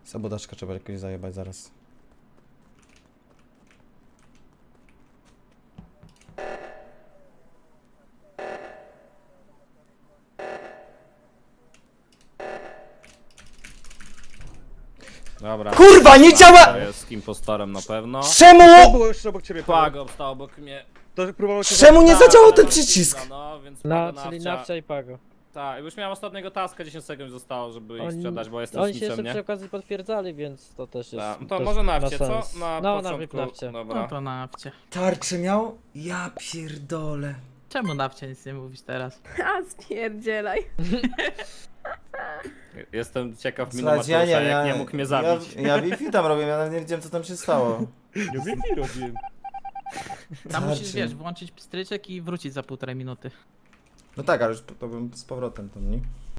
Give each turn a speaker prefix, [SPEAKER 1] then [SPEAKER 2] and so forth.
[SPEAKER 1] Sabotażka trzeba jakoś zajebać zaraz.
[SPEAKER 2] Dobra.
[SPEAKER 1] Kurwa, nie działa!
[SPEAKER 2] To jest impostorem na pewno.
[SPEAKER 3] To
[SPEAKER 1] Czemu?
[SPEAKER 3] było jeszcze obok ciebie, Pago.
[SPEAKER 2] Pago stał obok mnie.
[SPEAKER 3] To próbował cię
[SPEAKER 1] Czemu nie
[SPEAKER 2] Tak,
[SPEAKER 1] zadziałał
[SPEAKER 2] ale
[SPEAKER 1] ten
[SPEAKER 2] mam
[SPEAKER 1] przycisk?
[SPEAKER 2] kilka, No, więc
[SPEAKER 4] No,
[SPEAKER 2] Pago
[SPEAKER 4] czyli
[SPEAKER 2] nawcia.
[SPEAKER 4] Nawcia i Pago.
[SPEAKER 2] Tak, już miałem ostatniego taska, 10 sekund zostało, żeby ich
[SPEAKER 4] Oni-
[SPEAKER 2] sprzedać, bo jestem
[SPEAKER 4] Oni się
[SPEAKER 2] snitchem,
[SPEAKER 4] jeszcze
[SPEAKER 2] nie?
[SPEAKER 4] przy okazji potwierdzali, więc to też jest.
[SPEAKER 2] Tak, no to
[SPEAKER 4] też
[SPEAKER 2] może
[SPEAKER 4] ma
[SPEAKER 2] nawcie, co?
[SPEAKER 4] sens.
[SPEAKER 2] Na
[SPEAKER 4] No,
[SPEAKER 2] początku.
[SPEAKER 4] nawcie.
[SPEAKER 2] Dobra.
[SPEAKER 5] No to nawcie.
[SPEAKER 1] Tarczę miał? Ja pierdolę.
[SPEAKER 5] Czemu nawcie nic nie mówisz teraz?
[SPEAKER 6] A spierdzielaj.
[SPEAKER 2] Jestem ciekaw
[SPEAKER 1] Słuchajcie,
[SPEAKER 2] Minomatusza, jak nie mógł mnie zabić.
[SPEAKER 1] Ja Wi-Fi tam robię, ja nawet nie wiedziałem co tam się stało.
[SPEAKER 3] Ja Wi-Fi robiłem.
[SPEAKER 5] Tam musisz,
[SPEAKER 1] Tarczy.
[SPEAKER 5] wiesz, włączyć pstryczek i wrócić za 1,5 minuty.
[SPEAKER 1] No tak, ale już to bym z powrotem tam, nie?